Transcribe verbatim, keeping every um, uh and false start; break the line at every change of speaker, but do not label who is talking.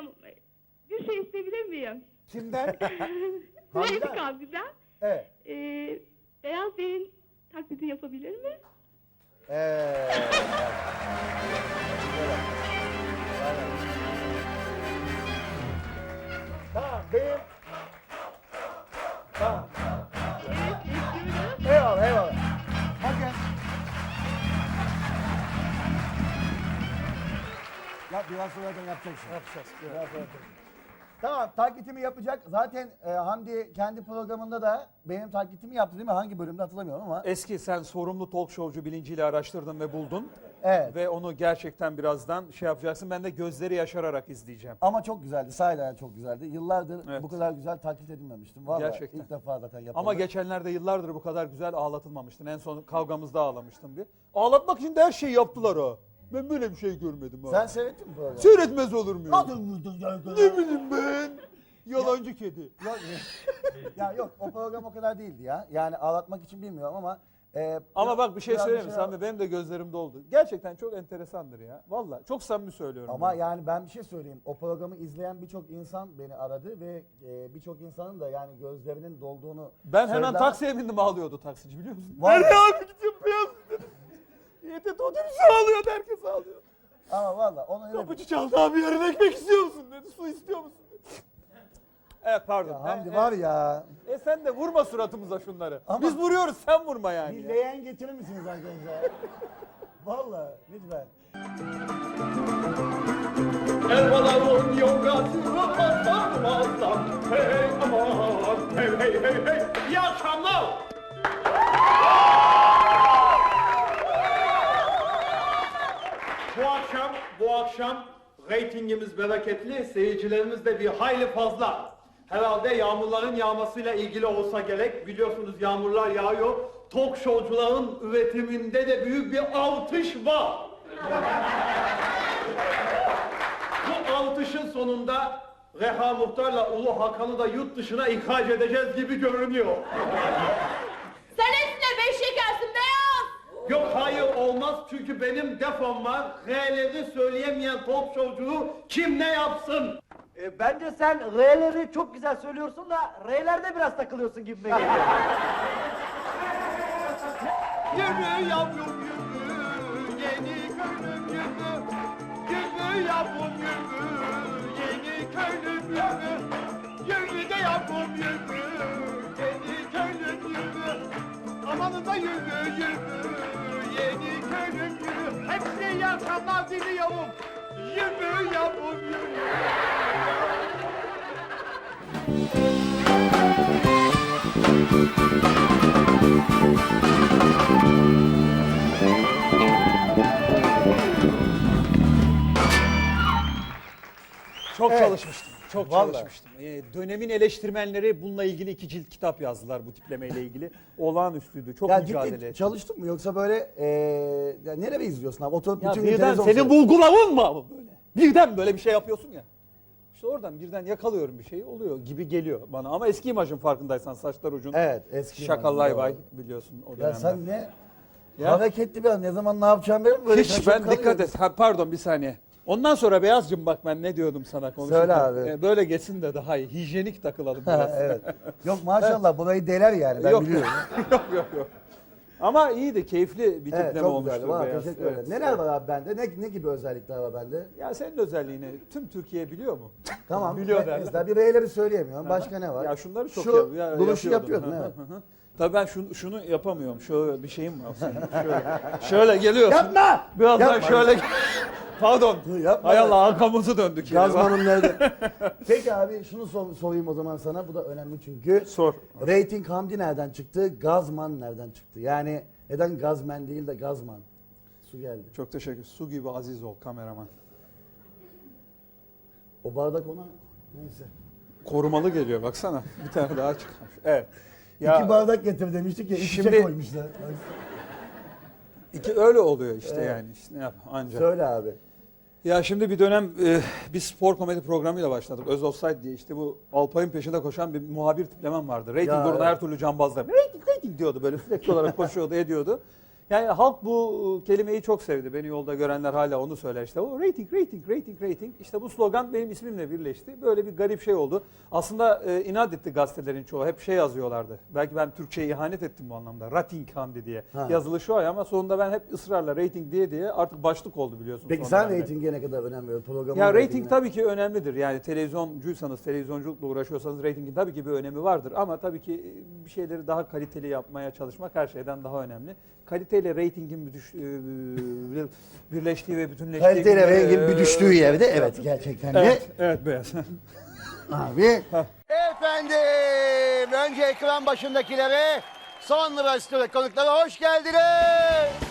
diyeceğim. Bir şey isteyebilir miyim?
Kimden?
Rating
Hamdi'den.
Hamdi'den.
Evet.
Ee, Beyaz Bey'in taklidi yapabilir mi?
Ee, Tamam, benim... Tamam.
Evet, bekliyorum.
Eyvallah, eyvallah. Bakın. Ya biraz sonra da yapacaksın. Yapacağız. Biraz sonra yapacağız. Tamam, taklitimi yapacak. Zaten e, Hamdi kendi programında da benim taklitimi yaptı değil mi? Hangi bölümde hatırlamıyorum ama.
Eski sen sorumlu talk showcu bilinciyle araştırdın ve buldun.
Evet.
Ve onu gerçekten birazdan şey yapacaksın. Ben de gözleri yaşararak izleyeceğim.
Ama çok güzeldi. Sahiden çok güzeldi. Yıllardır
Evet.
bu kadar güzel taklit edilmemiştim. Vallahi
Gerçekten.
ilk defa zaten yapıldı.
Ama geçenlerde yıllardır bu kadar güzel ağlatılmamıştın. En son kavgamızda ağlamıştım bir. Ağlatmak için de her şeyi yaptılar ha. Ben böyle bir şey görmedim ha.
Sen seyrettin mi programı?
Seyretmez olur muyum?
Nasıl vurdun ya?
Ne bileyim ben? Yalancı kedi.
Yok, ya yok, o program o kadar değildi ya. Yani ağlatmak için bilmiyorum ama... E,
Ama
biraz-
bak bir şey
biraz
söyleyeyim mi
şey-
Sami? Benim de gözlerim doldu. Gerçekten çok enteresandır ya. Vallahi çok samimi söylüyorum.
Ama
bunu.
yani ben bir şey söyleyeyim. O programı izleyen birçok insan beni aradı ve e, birçok insanın da yani gözlerinin dolduğunu
Ben hemen
söyledi
taksiye bindim, ağlıyordu taksici biliyor musun?
Vallahi.
Nereye abi gidiyorum beyaz dedim. Y T T otobüsü ağlıyordu, herkes ağlıyor.
Ama valla onu öyle bir...
Kapıcı çaldı abi, yarın ekmek istiyor musun dedi, su istiyor musun dedi. Evet pardon.
Ya Hamdi
E,
var ya.
E, e sen de vurma suratımıza şunları.
Ama-
Biz vuruyoruz, sen vurma yani.
Bir
ya.
leğen getirir misiniz arkadaşlar? Valla lütfen.
Elmaların yongasını patlamazdan. Hey aman, hey hey hey hey. İyi akşamlar. Bu akşam, bu akşam reytingimiz bereketli, seyircilerimiz de bir hayli fazla. Herhalde yağmurların yağmasıyla ilgili olsa gerek. Biliyorsunuz yağmurlar yağıyor. Talk showcuların üretiminde de büyük bir artış var. Bu artışın sonunda Reha Muhtar'la Ulu Hakan'ı da yurt dışına ihraç edeceğiz gibi görünüyor.
Sen hepsine beş şekersin beyaz.
Yok hayır olmaz çünkü benim defom var. R'leri söyleyemeyen talk showcuyu kim ne yapsın?
E, bence sen R'leri çok güzel söylüyorsun da R'lerde biraz takılıyorsun gibi geliyor.
Yürü yavrum yürü, yeni köylüm yürü. Yürü yavrum yürü, yeni köylüm yürü. Yürü de yavrum yürü, yeni köylüm yürü. Amanıza yürü yürü, yeni köylüm yürü. Hepsi yakanlar diliyorum. Yürü yavrum yürü.
Çok
Evet.
çalışmıştım. Çok
Vallahi.
çalışmıştım. Ee, dönemin eleştirmenleri bununla ilgili iki cilt kitap yazdılar bu tiplemeyle ilgili. Olağanüstüydü. Çok
Ya
mücadele
ciddi
ettim.
çalıştın mı yoksa böyle e, ya nereye izliyorsun abi? Oturup
Ya
bütün gün
birden
televizyon
senin
seyrediyorsun.
bulgulavun mu abi böyle? Birden böyle bir şey yapıyorsun ya. İşte oradan birden yakalıyorum bir şey oluyor gibi geliyor bana. Ama eski imajın farkındaysan saçlar uzun.
Evet eski.
Şakallay
imajım,
bay
doğru.
biliyorsun o
Ya
dönemde.
sen ne?
Ya.
Hareketli bir an. Ne zaman ne yapacağım benim böyle
Hiç
şaşırıp
ben
kalıyorum.
dikkat et. Ha, pardon bir saniye. Ondan sonra Beyazcığım bak ben ne diyordum sana konuşurken.
Söyle abi.
Ee, böyle geçsin de daha iyi. Hijyenik takılalım biraz.
Ha, evet. Yok maşallah burayı deler yani ben
yok,
biliyorum.
yok yok yok. Ama iyiydi, keyifli bir tipleme
Evet çok
olmuştu.
güzeldi. Valla
Beyaz.
teşekkür
Evet.
ederim. Neler var abi bende? Ne, ne gibi özellikler var bende?
Ya senin özelliğini tüm Türkiye biliyor mu?
Tamam.
Biliyor
me-
derler.
Mesela bir R'leri söyleyemiyorum. Başka ne var?
Ya şunları çok
Şu
yap- ya,
duruşu
yapıyordum.
yapıyordun
Hı,
evet.
Tabii ben şunu, şunu yapamıyorum. Şöyle bir şeyim var senin. Şöyle, şöyle geliyorsun.
Yapma!
Birazdan
Yapma.
şöyle... Pardon.
Dur, yapma.
Hay Allah arkamızı döndük. yine.
Gazman'ın nerede? Peki abi şunu sor- sorayım o zaman sana. Bu da önemli çünkü.
Sor.
Rating Hamdi nereden çıktı? Gazman nereden çıktı? Yani neden Gazman değil de Gazman? Su geldi.
Çok teşekkür. Su gibi aziz ol kameraman.
O bardak ona neyse.
Korumalı geliyor baksana. Bir tane daha çıkmış. Evet.
İki bardak getir demiştik ya. İki
Şimdi-
şey koymuşlar.
İki öyle oluyor işte
Evet.
yani. İşte ne yap anca.
Söyle abi.
Ya şimdi bir dönem e, bir spor komedi programıyla başladık. Öz Offside diye işte bu Alpay'ın peşinde koşan bir muhabir tiplemem vardı. Rating
Ya,
uğruna
evet.
her türlü cambazla. Rating rating diyordu böyle sürekli olarak koşuyordu ediyordu. Yani halk bu kelimeyi çok sevdi. Beni yolda görenler hala onu söyler işte. O rating, rating, rating, rating. İşte bu slogan benim ismimle birleşti. Böyle bir garip şey oldu. Aslında e, inat etti gazetelerin çoğu. Hep şey yazıyorlardı. Belki ben Türkçe'ye ihanet ettim bu anlamda. Rating Hamdi diye.
Ha.
Yazılışı o ama sonunda ben hep ısrarla rating diye diye artık başlık oldu biliyorsun.
Peki
son
sen
dönemde.
reytinge ne kadar önem veriyorsun? Programın
Ya rating
reytingine?
tabii ki önemlidir. Yani televizyoncuysanız, televizyonculukla uğraşıyorsanız reytingin tabii ki bir önemi vardır. Ama tabii ki bir şeyleri daha kaliteli yapmaya çalışmak her şeyden daha önemli. Kaliteyle reytingin bütüş- e, birleştiği ve bütünleştiği...
Kaliteyle
günde-
rengin bir düştüğü yerde evet gerçekten de.
Evet, evet beyaz.
Abi. Efendim önce ekran başındakilere sonra stüdyo konuklara hoş geldiniz.